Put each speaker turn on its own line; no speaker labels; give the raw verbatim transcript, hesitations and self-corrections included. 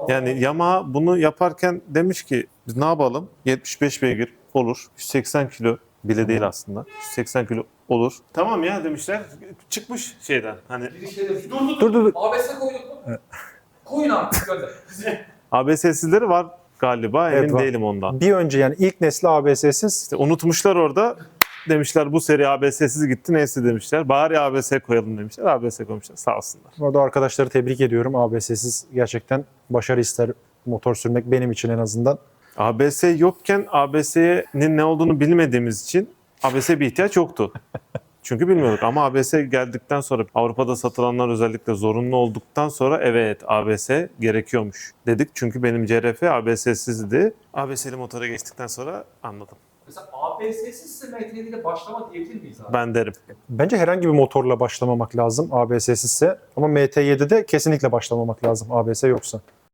Yani Yamaha bunu yaparken demiş ki biz ne yapalım? yetmiş beş beygir olur. yüz seksen kilo bile değil aslında. yüz seksen kilo olur. Tamam ya demişler. Çıkmış şeyden. Hani
Girişleri dur dur dur.
Dur dur dur.
A B S koyduk mu? Koyun artık gönder.
A B S'sizleri var galiba.
Evet,
Emin
var.
değilim ondan.
Bir önce yani ilk nesli A B S'siz.
İşte unutmuşlar orada. Demişler bu seri A B S'siz gitti neyse demişler. Bari A B S koyalım demişler. A B S koymuşlar. Sağ olsunlar.
Orada arkadaşları tebrik ediyorum. A B S'siz gerçekten başarı ister motor sürmek benim için en azından.
A B S yokken A B S'nin ne olduğunu bilmediğimiz için A B S bir ihtiyaç yoktu. Çünkü bilmiyorduk ama A B S geldikten sonra Avrupa'da satılanlar özellikle zorunlu olduktan sonra evet A B S gerekiyormuş dedik. Çünkü benim C R F A B S'sizdi. A B S'li motora geçtikten sonra anladım.
Mesela A B S'sizse M T ile başlama diyebilir miyiz abi?
Ben derim.
Bence herhangi bir motorla başlamamak lazım A B S'sizse. Ama M T yedide kesinlikle başlamamak lazım A B S yoksa.